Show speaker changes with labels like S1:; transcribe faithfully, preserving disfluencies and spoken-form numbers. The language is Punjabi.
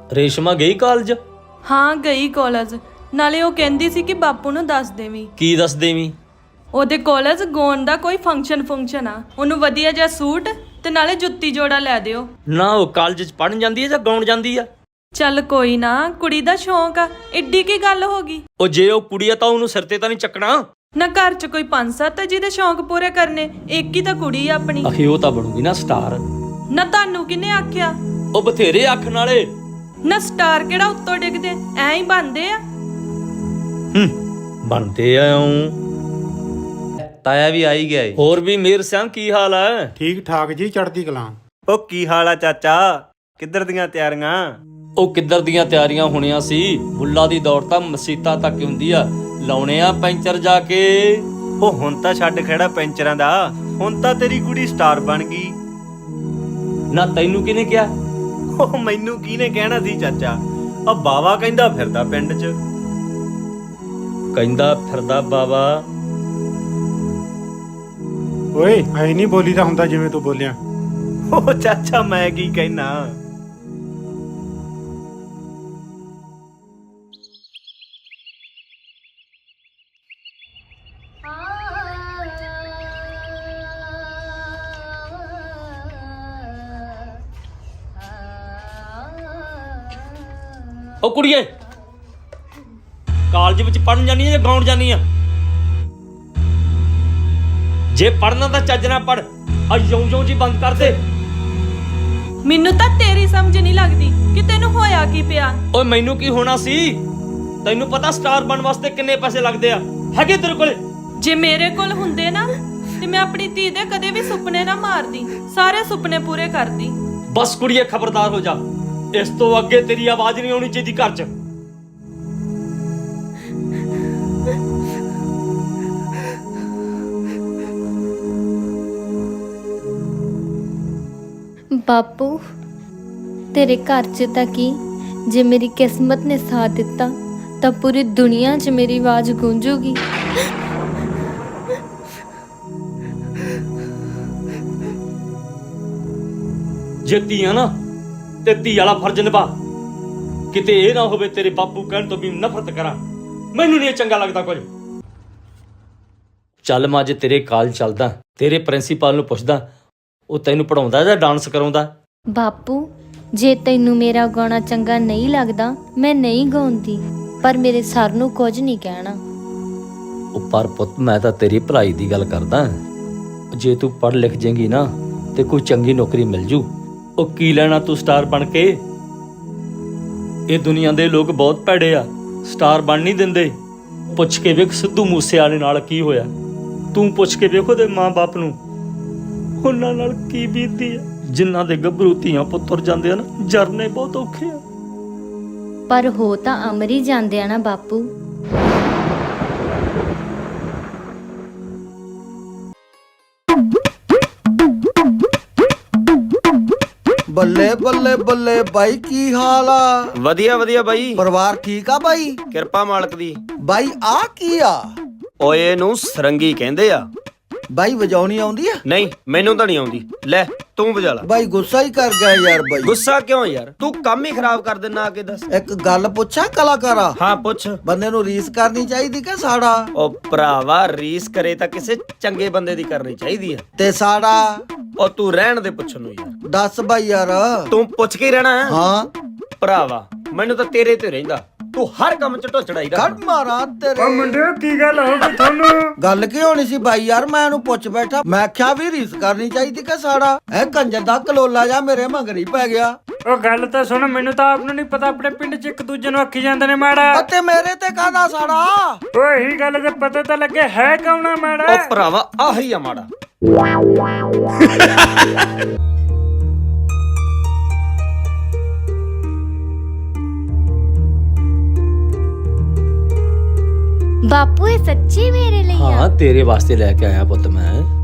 S1: ਰੇਸ਼ਮਾ ਗਈ ਕਾਲਜ?
S2: ਹਾਂ ਗਈ ਕਾਲਜ। ਨਾਲੇ ਉਹ ਕਹਿੰਦੀ ਸੀ ਕਿ ਬਾਪੂ ਨੂੰ ਦੱਸ ਦੇਵੀਂ।
S1: ਕੀ ਦੱਸ ਦੇਵੀਂ?
S2: ਉਹਦੇ ਕਾਲਜ ਗਾਉਣ ਦਾ ਕੋਈ ਫੰਕਸ਼ਨ ਫੰਕਸ਼ਨ ਆ, ਉਹਨੂੰ ਵਧੀਆ ਜਿਹਾ ਸੂਟ ਤੇ ਨਾਲੇ ਜੁੱਤੀ ਜੋੜਾ ਲੈ ਦਿਓ।
S1: ਨਾ ਉਹ ਕਾਲਜ ਚ ਪੜਨ ਜਾਂਦੀ ਹੈ ਜਾਂ ਗਾਉਣ ਜਾਂਦੀ ਆ?
S2: ਚੱਲ ਕੋਈ ਨਾ, ਕੁੜੀ ਦਾ ਸ਼ੌਂਕ ਆ, ਏਡੀ ਕੀ ਗੱਲ ਹੋ ਗਈ।
S1: ਉਹ ਜੇ ਉਹ ਕੁੜੀ ਆ ਤਾਂ ਉਹਨੂੰ ਸਿਰ ਤੇ ਤਾਂ ਨਹੀਂ ਚੱਕਣਾ?
S2: ਨਾ ਘਰ ਚ ਕੋਈ ਪੰਜ ਸੱਤ ਜਿਹਦੇ ਸ਼ੌਂਕ ਪੂਰੇ ਕਰਨੇ, ਇੱਕ ਹੀ ਤਾਂ ਕੁੜੀ ਆ ਆਪਣੀ।
S1: ਅਖੇ ਉਹ ਤਾਂ ਬਣੂਗੀ ਨਾ ਸਟਾਰ।
S2: ਨਾ ਤੁਹਾਨੂੰ ਕਿਹਨੇ ਆਖਿਆ?
S1: ਉਹ ਬਥੇਰੇ ਆਖਣ ਵਾਲੇ।
S2: ਨਾ ਸਟਾਰ ਕਿਹੜਾ ਉੱਤੋਂ ਡਿੱਗਦੇ, ਐਂ ਹੀ ਬਣਦੇ ਆ।
S1: ਹੂੰ ਬਣਦੇ ਆ।
S3: ਤਾਇਆ ਵੀ ਆ ਹੀ ਗਿਆ ਏ।
S1: ਹੋਰ ਵੀ ਮੇਰ ਸਿਆਂ ਕੀ ਹਾਲ ਹੈ?
S4: ਠੀਕ ਠਾਕ ਜੀ, ਚੜ੍ਹਦੀ ਕਲਾਂ।
S3: ਉਹ ਕੀ ਹਾਲ ਆ ਚਾਚਾ, ਕਿੱਧਰ ਦੀਆਂ ਤਿਆਰੀਆਂ?
S1: ਉਹ ਕਿੱਧਰ ਦੀਆਂ ਤਿਆਰੀਆਂ ਹੋਣੀਆਂ ਸੀ, ਬੁੱਲਾ ਦੀ ਦੌੜ ਤਾਂ ਮਸੀਤਾਂ ਤੱਕ ਹੁੰਦੀ ਆ। ਲਾਉਣੇ ਆ ਪੈਂਚਰ ਜਾ ਕੇ।
S3: ਉਹ ਹੁਣ ਤਾਂ ਛੱਡ ਖੜਾ ਪੈਂਚਰਾਂ ਦਾ, ਹੁਣ ਤਾਂ ਤੇਰੀ ਕੁੜੀ ਸਟਾਰ ਬਣ ਗਈ।
S1: ਨਾ ਤੈਨੂੰ ਕਿਹਨੇ ਕਿਹਾ?
S3: ਉਹ ਮੈਨੂੰ ਕਿਹਨੇ ਕਹਿਣਾ ਸੀ ਚਾਚਾ, ਆ ਬਾਵਾ ਕਹਿੰਦਾ ਫਿਰਦਾ ਪਿੰਡ 'ਚ।
S1: ਕਹਿੰਦਾ ਫਿਰਦਾ ਬਾਵਾ?
S4: ਓਏ ਐ ਨਹੀਂ ਬੋਲੀਦਾ ਹੁੰਦਾ ਜਿਵੇਂ ਤੂੰ ਬੋਲਿਆ।
S3: ਉਹ ਚਾਚਾ ਮੈਂ ਕੀ ਕਹਿਣਾ।
S1: ਉਹ ਕੁੜੀਏ, ਕਾਲਜ ਵਿੱਚ ਪੜਨ ਜਾਨੀ ਆ ਜਾਂ ਗਾਉਣ ਜਾਨੀ ਆ? ਜੇ ਪੜਨਾ ਤਾਂ ਚੱਜ ਨਾਲ ਪੜ, ਆ ਯੋਂ ਯੋਂ ਜੀ ਬੰਦ ਕਰ ਦੇ।
S2: ਮੈਨੂੰ ਤਾਂ ਤੇਰੀ ਸਮਝ ਨਹੀਂ ਲੱਗਦੀ ਕਿ ਤੈਨੂੰ ਹੋਇਆ ਕੀ ਪਿਆ।
S1: ਓਏ ਮੈਨੂੰ ਕੀ ਹੋਣਾ ਸੀ? ਤੈਨੂੰ ਪਤਾ ਸਟਾਰ ਬਣਨ ਵਾਸਤੇ ਕਿੰਨੇ ਪੈਸੇ ਲੱਗਦੇ ਆ? ਹੈਗੇ ਤੇਰੇ ਕੋਲੇ?
S2: ਜੇ ਮੇਰੇ ਕੋਲ ਹੁੰਦੇ ਨਾ ਤੇ ਮੈਂ ਆਪਣੀ ਧੀ ਦੇ ਕਦੇ ਵੀ ਸੁਪਨੇ ਨਾ ਮਾਰਦੀ, ਸਾਰੇ ਸੁਪਨੇ ਪੂਰੇ ਕਰਦੀ।
S1: ਬਸ ਕੁੜੀਏ ਖਬਰਦਾਰ ਹੋ ਜਾ, ਇਸ ਤੋਂ ਅੱਗੇ ਤੇਰੀ ਆਵਾਜ਼ ਨਹੀਂ ਆਉਣੀ ਚਾਹੀਦੀ ਘਰ 'ਚ।
S5: ਬਾਪੂ ਤੇਰੇ ਘਰ 'ਚ ਤਾਂ ਕੀ, ਜੇ ਮੇਰੀ ਕਿਸਮਤ ਨੇ ਸਾਥ ਦਿੱਤਾ ਤਾਂ ਪੂਰੀ ਦੁਨੀਆ 'ਚ ਮੇਰੀ ਆਵਾਜ਼ ਗੂੰਜੂਗੀ।
S1: ਜੇ ਧੀਆਂ ਨਾ ਤੇ ਧੀ ਵਾਲਾ ਫਰਜ਼ ਨਿਭਾ, ਕਿਤੇ ਇਹ ਨਾ ਹੋਵੇ ਤੇਰੇ ਬਾਪੂ ਕਹਿਣ ਤੋਂ ਵੀ ਨਫ਼ਰਤ ਕਰਾਂ। ਮੈਨੂੰ ਨਹੀਂ ਚੰਗਾ ਲੱਗਦਾ ਕੁਝ। ਚੱਲ ਮੈਂ ਅੱਜ ਤੇਰੇ ਕਾਲ ਚੱਲਦਾ, ਤੇਰੇ ਪ੍ਰਿੰਸੀਪਲ ਨੂੰ ਪੁੱਛਦਾ ਉਹ ਤੈਨੂੰ ਪੜਾਉਂਦਾ ਜਾਂ ਡਾਂਸ ਕਰਾਉਂਦਾ।
S5: ਬਾਪੂ ਜੇ ਤੈਨੂੰ ਮੇਰਾ ਗਾਉਣਾ ਚੰਗਾ ਨਹੀਂ ਲੱਗਦਾ ਮੈਂ ਨਹੀਂ ਗਾਉਂਦੀ, ਪਰ ਮੇਰੇ ਸਰ ਨੂੰ ਕੁਝ ਨਹੀਂ ਕਹਿਣਾ।
S1: ਉਹ ਪਰ ਪੁੱਤ ਮੈਂ ਤਾਂ ਤੇਰੀ ਭਲਾਈ ਦੀ ਗੱਲ ਕਰਦਾ। ਜੇ ਤੂੰ ਪੜ੍ਹ ਲਿਖ ਜਾਏਂਗੀ ਨਾ ਤੇ ਕੋਈ ਚੰਗੀ ਨੌਕਰੀ ਮਿਲ ਜੂ। ਉਹ ਕੀ ਲੈਣਾ ਤੂੰ ਸਟਾਰ ਬਣ ਕੇ? ਇਹ ਦੁਨੀਆ ਦੇ ਲੋਕ ਬਹੁਤ ਭੈੜੇ ਆ, ਸਟਾਰ ਬਣ ਨਹੀਂ ਦਿੰਦੇ। ਪੁੱਛ ਕੇ ਵੇਖ ਸਿੱਧੂ ਮੂਸੇਵਾਲੇ ਨਾਲ ਕੀ ਹੋਇਆ, ਤੂੰ ਪੁੱਛ ਕੇ ਵੇਖ ਉਹਦੇ ਮਾਂ-ਬਾਪ ਨੂੰ, ਉਹਨਾਂ ਨਾਲ ਕੀ ਬੀਤਦੀ ਆ। ਜਿਨ੍ਹਾਂ ਦੇ ਗੱਭਰੂ ਧੀਆਂ ਪੁੱਤਰ ਜਾਂਦੇ ਆ ਨਾ, ਜਰਨੇ ਬਹੁਤ ਔਖੇ ਆ।
S5: ਪਰ ਹੋ ਤਾਂ ਅਮਰ ਹੀ ਜਾਂਦੇ ਆ ਨਾ ਬਾਪੂ।
S6: ਬੱਲੇ ਬੱਲੇ ਬੱਲੇ ਬਾਈ, ਕੀ ਹਾਲ ਆ?
S3: ਵਧੀਆ ਵਧੀਆ ਬਾਈ,
S6: ਪਰਿਵਾਰ ਠੀਕ ਆ ਬਾਈ?
S3: ਕਿਰਪਾ ਮਾਲਕ ਦੀ।
S6: ਬਾਈ ਆ ਕੀ ਆ?
S3: ਓਏ ਨੂੰ ਸਰੰਗੀ ਕਹਿੰਦੇ ਆ।
S6: ਬਾਈ ਵਜਾਉਣੀ ਆਉਂਦੀ ਆ?
S3: ਨਹੀਂ ਮੈਨੂੰ ਤਾਂ ਨਹੀਂ ਆਉਂਦੀ, ਲੈ ਤੂੰ ਵਜਾ ਲੈ।
S6: ਬਾਈ ਗੁੱਸਾ ਹੀ ਕਰ ਗਿਆ ਯਾਰ। ਬਾਈ
S3: ਗੁੱਸਾ ਕਿਉਂ ਯਾਰ, ਤੂੰ ਕੰਮ ਹੀ ਖਰਾਬ ਕਰ ਦਿੰਨਾ। ਆ ਕੇ ਦੱਸ।
S6: ਇੱਕ ਗੱਲ ਪੁੱਛਾਂ ਕਲਾਕਾਰਾ?
S3: ਹਾਂ ਪੁੱਛ।
S6: ਬੰਦੇ ਨੂੰ ਰੀਸ ਕਰਨੀ ਚਾਹੀਦੀ ਕਿ ਸਾੜਾ?
S3: ਉਹ ਭਰਾਵਾ ਰੀਸ ਕਰੇ ਤਾਂ ਕਿਸੇ ਚੰਗੇ ਬੰਦੇ ਦੀ ਕਰਨੀ ਚਾਹੀਦੀ ਆ।
S6: ਤੇ ਸਾੜਾ?
S3: ਉਹ ਤੂੰ ਰਹਿਣ ਦੇ ਪੁੱਛਣ ਨੂੰ ਯਾਰ।
S6: ਦੱਸ ਬਾਈ ਯਾਰ।
S3: ਤੂੰ ਪੁੱਛ ਕੇ ਹੀ ਰਹਿਣਾ।
S6: ਹਾਂ
S3: ਭਰਾਵਾ ਮੈਨੂੰ ਤਾਂ ਤੇਰੇ ਤੇ ਰਹਿੰਦਾ, ਤੂੰ ਹਰ ਕੰਮ ਚ ਢੋਚੜਾਈ ਰੱਖ।
S6: ਕੱਢ ਮਾਰਾਂ ਤੇਰੇ।
S4: ਓ ਮੁੰਡਿਓ ਕੀ ਗੱਲ ਹੋ ਗਈ ਤੁਹਾਨੂੰ?
S6: ਗੱਲ ਕੀ ਹੋਣੀ ਸੀ ਬਾਈ ਯਾਰ, ਮੈਂ ਇਹਨੂੰ ਪੁੱਛ ਬੈਠਾ, ਮੈਂ ਆਖਿਆ ਵੀ ਰੀਸ ਕਰਨੀ ਚਾਹੀਦੀ ਕਿ ਸਾੜਾ? ਇਹ ਕੰਜਰ ਦਾ ਕਲੋਲਾ ਜਾ ਮੇਰੇ ਮਗਰੀ ਪੈ ਗਿਆ।
S4: ਉਹ ਗੱਲ ਤਾਂ ਸੁਣ, ਮੈਨੂੰ ਤਾਂ ਆਪ ਨੂੰ ਨਹੀਂ ਪਤਾ, ਆਪਣੇ ਪਿੰਡ 'ਚ ਇੱਕ ਦੂਜੇ ਨੂੰ ਆਖੀ ਜਾਂਦੇ ਨੇ ਮਾੜਾ।
S6: ਅਤੇ ਮੇਰੇ ਤੇ ਕਾਹਦਾ ਸਾੜਾ?
S4: ਓਏ ਇਹੀ ਗੱਲ ਤੇ ਪਤਾ ਤਾਂ ਲੱਗੇ ਹੈ ਕੌਣ ਆ ਮਾੜਾ।
S3: ਉਹ ਭਰਾਵਾ ਆਹੀ ਆ ਮਾੜਾ।
S5: ਬਾਪੂ ਇਹ ਸੱਚੀ ਮੇਰੇ ਲਈ ਆ?
S1: ਹਾਂ ਤੇਰੇ ਵਾਸਤੇ ਲੈ ਕੇ ਆਇਆ ਪੁੱਤ ਮੈਂ।